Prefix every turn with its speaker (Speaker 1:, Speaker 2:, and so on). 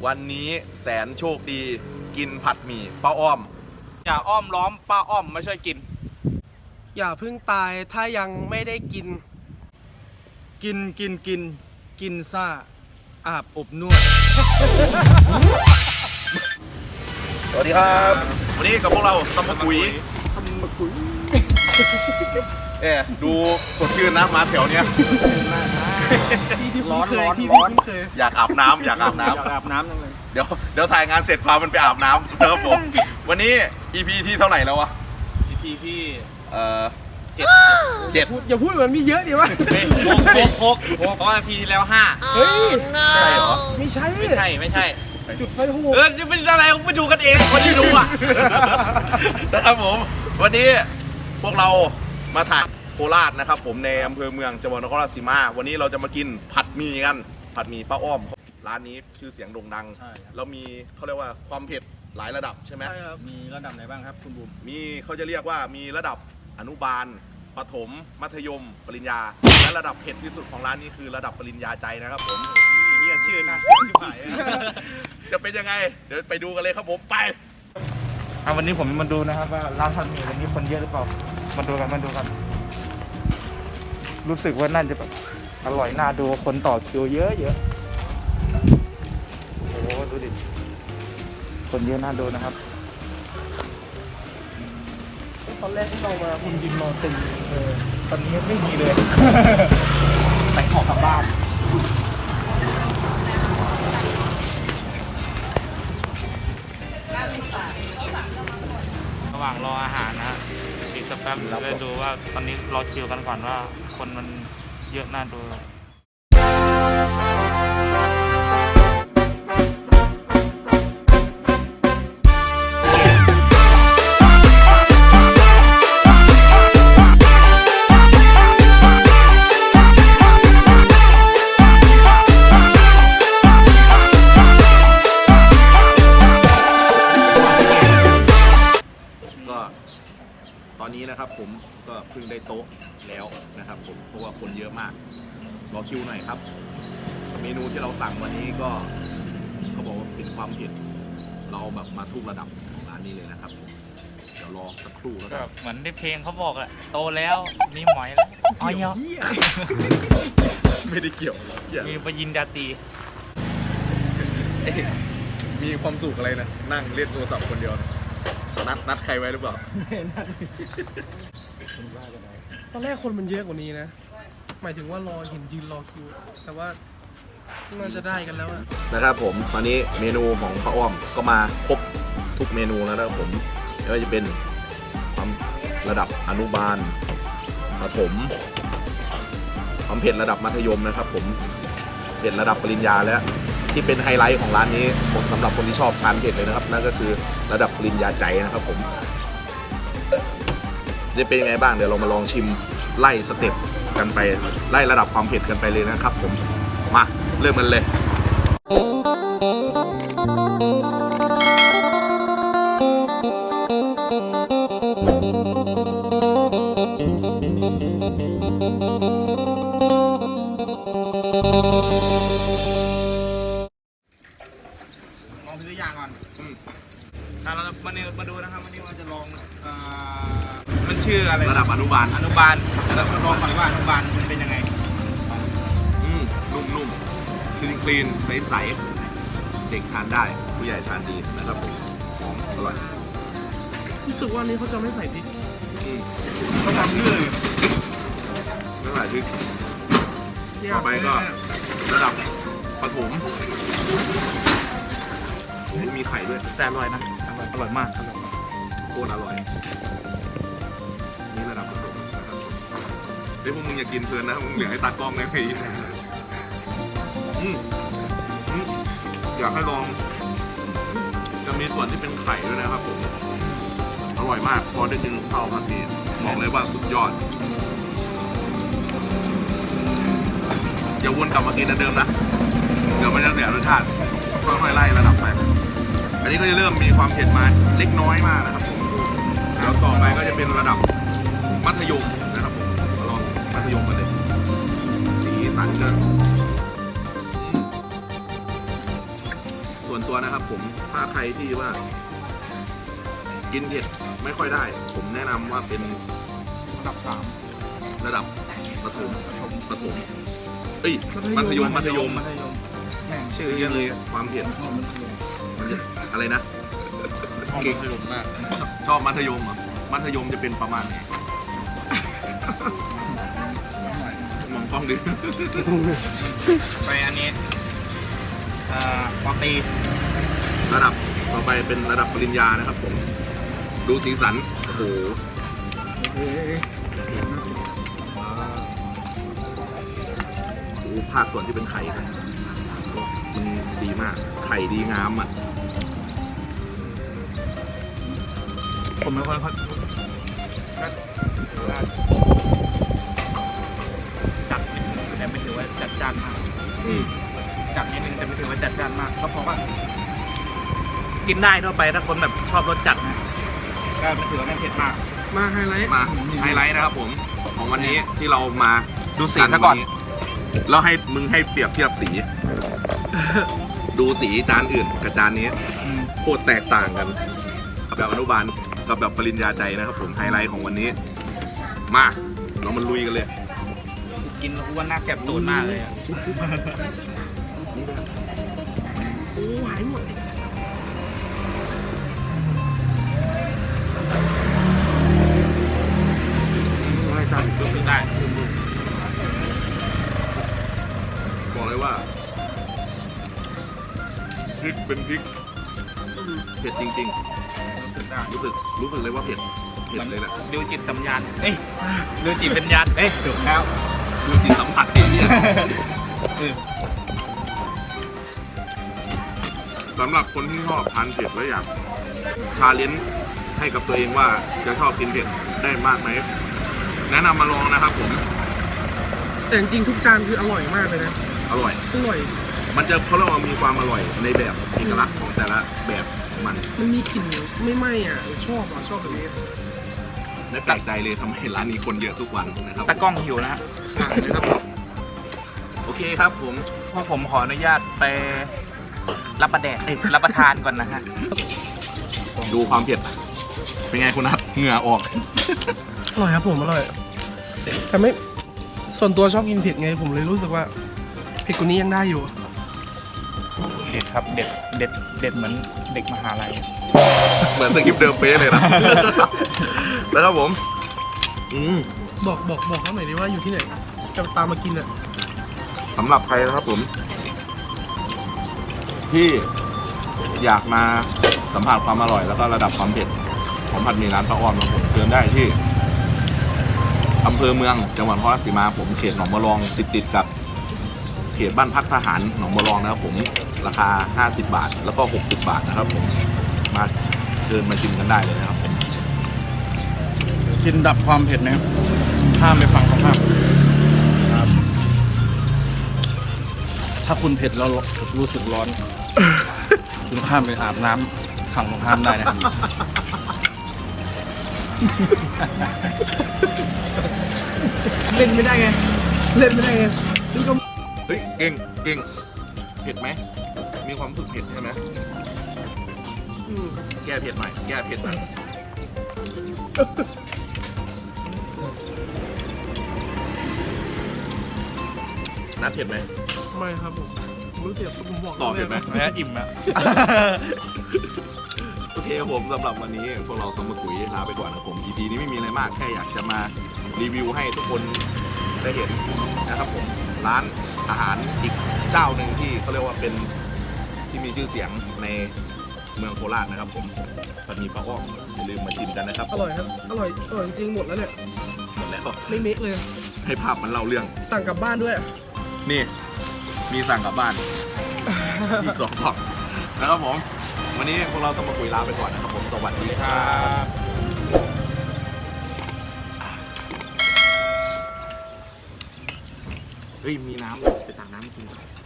Speaker 1: วันนี้แสนโชคดีกินผัดหมี่ป้าอ้อม
Speaker 2: อย่าอ้อมล้อมป้าอ้อมไม่ช่วยกิน
Speaker 3: อย่าเพิ่งตายถ้ายังไม่ได้กินกินซ่าอาบอบนวด
Speaker 1: สวัสดีครับวันนี้กับพวกเราสมกุยดูสดชื่นนะมาแถวเนี้ย
Speaker 3: ที่ร้อนเคย
Speaker 1: อยากอาบน้ำ
Speaker 2: จังเลย
Speaker 1: เดี๋ยวถ่ายงานเสร็จพามันไปอาบน้ำนะครับผมวันนี้ EP ที่เท่าไหร่แล้ววะ
Speaker 2: EP ที่
Speaker 1: 7
Speaker 3: อย่าพูดเหมือนมีเยอะดิวะ
Speaker 2: หกเพราะว่า EP ที่แล้ว5
Speaker 3: เฮ้ย
Speaker 1: ใช่เหรอ
Speaker 3: ไม่ใช่จุดไฟโหด
Speaker 2: นี่เป็นอะไรไปดูกันเองคนที่ดูอ่ะ
Speaker 1: นะครับผมวันนี้พวกเรามาถ่ายโคราชนะครับผมในอำเภอเมืองจังหวัดนครราชสีมาวันนี้เราจะมากินผัดหมี่กันผัดหมี่ป้าอ้อมร้านนี้ชื่อเสียงโด่งดังแล้วมีเขาเรียกว่าความเผ็ดหลายระดับใช่ไหม
Speaker 3: ใช่ครับ
Speaker 2: มีระดับไหนบ้างครับคุณบุ๋ม
Speaker 1: มีเขาจะเรียกว่ามีระดับอนุบาลประถมมัธยมปริญญาและระดับเผ็ดที่สุดของร้านนี้คือระดับปริญญาใจนะครับผม
Speaker 2: นี่ชื่อน่าเสียชิบหาย
Speaker 1: จะเป็นยังไงเดี๋ยวไปดูกันเลยครับผมไป
Speaker 2: วันนี้ผมมาดูนะครับว่าร้านผัดหมี่วันนี้คนเยอะหรือเปล่ามาดูกันรู้สึกว่าน่าจะแบบอร่อยน่าดูคนต่อคิวเยอะโอ้โหดูดิคนเยอะน่าดูนะครับ
Speaker 3: ตอนแรกที่เรามาคุณยิมรอตึง
Speaker 2: ตอนนี้ไม่มีเลยแต่งของกลับบ้านระหว่างรออาหารนะฮะอีกสักแป๊บเราจะดูว่าตอนนี้รอคิวกันก่อนว่าคนมันเยอะน่าดู
Speaker 1: ตอนนี้นะครับผมก็เพิ่งได้โต๊ะแล้วนะครับผมเพราะว่าคนเยอะมากรอคิวหน่อยครับเมนูที่เราสั่งวันนี้ก็เขาบอกว่าเป็นความเผ็ดเราแบบมาทุกระดับของร้านนี้เลยนะครับเดี๋ยวรอสักครู่แล้วกัน
Speaker 2: เหมือนในเพลงเขาบอกอะโตแล้วมีหมอยแล้วอ๋อเนาะ
Speaker 1: ไม่ได้เกี่ยว
Speaker 2: มีปยินดาตี
Speaker 1: มีความสุขอะไรนะนั่งเล่นโทรศัพท์คนเดียวนัดใครไว้หรือเปล่า
Speaker 3: ตอนแรกคนมันเยอะกว่านี้นะหมายถึงว่ารอเห็นยืนรอคิวแต่ว่าน่าจะได้กันแล้ว
Speaker 1: นะครับผมตอนนี้เมนูของป้าอ้อมก็มาครบทุกเมนูแล้วนะครับผมไม่ว่าจะเป็นความระดับอนุบาลประถมความเผ็ดระดับมัธยมนะครับผมเผ็ดระดับปริญญาและที่เป็นไฮไลท์ของร้านนี้สำหรับคนที่ชอบทานเผ็ดเลยนะครับนั่นก็คือระดับปริญญาใจนะครับผมจะเป็นยังไงบ้างเดี๋ยวเรามาลองชิมไล่สเต็ปกันไปไล่ระดับความเผ็ดกันไปเลยนะครับผมมาเริ่มกันเลย
Speaker 2: เรามาดูนะครับวันนี้เราจะลองมันชื่ออะไร
Speaker 1: ระดับอนุบาล
Speaker 2: แล้วลองก่อนว่าอนุบาลมันเป็นยังไง
Speaker 1: นุ่มคลีนใสๆเด็กทานได้ผู้ใหญ่ทานดีนะครับผมหอมอร่อย
Speaker 3: รู้สึกว่านี้เขาจะไม่ใส่พริก
Speaker 1: เขาทำเรื่อยไม่ใส่พริกต่อไปก็ระดับประถมมีไข่ด้วย
Speaker 2: แต่อร่อยนะอร่อยมาก
Speaker 1: โคตรอร่อยนี่ระดับประถมนะครับเฮ้ยพวกมึงอย่ากินเพลินนะมึงเหลือให้ตากล้องเลยไงอยากให้ลองจะมีส่วนที่เป็นไข่ด้วยนะครับผมอร่อยมากพอได้กินข้าวผัดหมี่บอกเลยว่าสุดยอดอย่าวนกลับมากินเดิมนะเดี๋ยวมันจะเสียรสชาติค่อยๆไล่ระดับไปอันนี้ก็จะเริ่มมีความเผ็ดมาเล็กน้อยมากนะครับผมแล้วต่อไปก็จะเป็นระดับมัธยมนะครับผมลองมัธยมกันเลยสีสันก็ส่วนตัวนะครับผมถ้าใครที่ว่า กินเผ็ดไม่ค่อยได้ ผมแนะนำว่าเป็น
Speaker 2: ระดับ
Speaker 1: ระดับประถมเอ้ยมัธยม
Speaker 2: 3 มัธยมแม่งชื่อเยอะเลย
Speaker 1: ความเผ็ดมันจะอะไรนะ
Speaker 2: ห้องมัธยมมาก
Speaker 1: ชอบมัธยมเหรอมัธยมจะเป็นประมาณไหนมองกล้องดิ
Speaker 2: ไปอันนี้ปอตรี
Speaker 1: ระดับต่อไปเป็นระดับปริญญานะครับผมดูสีสันโอ้โหดูภาคส่วนที่เป็นไข่กันมันดีมากไข่ดีงามอ่ะ
Speaker 2: ผมเป็นคนจัดนิดนึงแต่ไม่ถือว่าจัดจ้านมากจัดนิดนึงแต่ไม่ถือว่าจัดจ้านมากเพราะว่ากินได้ทั่วไปถ้าคนแบบชอบรสจัดนะก็ไม่ถือว่าไม่เผ็ดมาก
Speaker 3: มาไฮไลท์
Speaker 1: มาไฮไลท์นะครับผมของวันนี้ที่เรามา
Speaker 2: ดูสีซะก่อน
Speaker 1: แล้วให้มึงให้เปรียบเทียบสี ดูสีจานอื่นกับจานนี้โคตรแตกต่างกันแบบอนุบาลกับแบบปริญญาใจนะครับผมไฮไลท์ของวันนี้มาเรามาลุยกันเลย
Speaker 2: กินแล้วอ้วนหน้าแสบตูดมากเลยอะ
Speaker 3: โอ้หายหมดเลย
Speaker 2: ให้สั่งรู้สึกได้
Speaker 1: บอกเลยว่าพริกเป็นพริกเผ็ดจริง
Speaker 2: รู้สึกได้
Speaker 1: ๆ รู้สึกเลยว่าเผ็ดเลยแหละ
Speaker 2: ดูจิตสัญญาณเอ้ยดูจิตวิญญาณเอ้ยถูกแล้ว
Speaker 1: ดูจิตสัมผัสที่เนี่ยสำหรับคนที่ชอบทานเผ็ดแล้วอยากชาเลนจ์ให้กับตัวเองว่าจะชอบกินเผ็ดได้มากไหมแนะนำมาลองนะครับผม
Speaker 3: แต่จริงๆทุกจานคืออร่อยมากเลยนะ
Speaker 1: อร่อย
Speaker 3: อร่อย
Speaker 1: มันจะเขาเรียกว่ามีความอร่อยในแบบเอกลักษณ์ของแต่ละแบบของมัน
Speaker 3: มันมีกลิ่นไม่ไหม้อ่ะชอบแบบนี้
Speaker 1: ไม่แปลกใจเลยทำไมร้านนี้คนเยอะทุกวันนะครับ
Speaker 2: ตะกล้องหิวนะฮะ
Speaker 3: สั่งเลยครับ
Speaker 1: โอเคครับผม
Speaker 2: พวกผมขออนุญาตไปรับประทานก่อนนะฮะ
Speaker 1: ดูความเผ็ดเป็นไงคุณนัทเหงื่อออก
Speaker 3: อร่อยครับผมอร่อยแต่ไม่ส่วนตัวชอบกินเผ็ดไงผมเลยรู้สึกว่าเผ็ดกว่านี้ยังได้อยู่
Speaker 2: เด็ดครับเด็ดเหมือนเด็กมหาลัย
Speaker 1: เหมือนสคริปต์เดิมเป๊ะเลยนะ แล้วครับผม
Speaker 3: บอกเขาหน่อยดิว่าอยู่ที่ไหนจะตามมากินอ่ะ
Speaker 1: สำหรับใครนะครับผม ที่อยากมาสัมผัสความอร่อยแล้วก็ระดับความเผ็ดของผัดหมี่ร้านป้าอ้อมนะครับผมเดินได้ที่อำเภอเมืองจังหวัดนครราชสีมาผมเขตหนองบัวรองติดกับเขตบ้านพักทหารหนองบัวรองนะครับผมราคา50 บาทแล้วก็60 บาทนะครับผมมาเดินมาชิมกันได้เลยนะครับผม
Speaker 4: กินดับความเผ็ดนะครับห้ามไปฟังเขาห้ามครับ ถ้าคุณเผ็ดแล้วรู้สึกร้อน คุณข้ามไปอาบน้ำฝั่งตรงข้ามได้นะครับ
Speaker 3: เล่นไม่ได้ไงนี่ก็
Speaker 1: เฮ้ยเก่งเผ็ดไหมมีความรู้สึกเผ็ดใช่ไหมแก้เผ็ดหน่อยนัดเผ็ดไหม
Speaker 3: ไม่ครับผมรู้เจ็บผมบอก
Speaker 1: ตอบเผ็ดไหม
Speaker 2: แม้อิ่มอะ
Speaker 1: โอเคครับผมสำหรับวันนี้พวกเราสมกุยลาไปก่อนนะครับผม EP นี้ไม่มีอะไรมากแค่อยากจะมารีวิวให้ทุกคนได้เห็นนะครับผมร้านอาหารอีกเจ้าหนึ่งที่เขาเรียกว่าเป็นที่มีชื่อเสียงในเมืองโคราชนะครับผมผัดหมี่ป้าอ้อมอย่าลืมมาชิมกันนะครับ
Speaker 3: อร่อยครับอร่อยจริงๆหมดแล้วเนี่ย
Speaker 1: หมดแล้ว
Speaker 3: ไม่เมคเลย
Speaker 1: ให้ภาพมันเล่าเรื่อง
Speaker 3: สั่งกลับบ้านด้วย
Speaker 1: นี่มีสั่งกลับบ้าน อีก2 กล่องนะครับผมวันนี้พวกเราสมกุยลาไปก่อนนะครับผมสวัสดีครับเฮ้ยมีน้ำไปตักน้ำกิน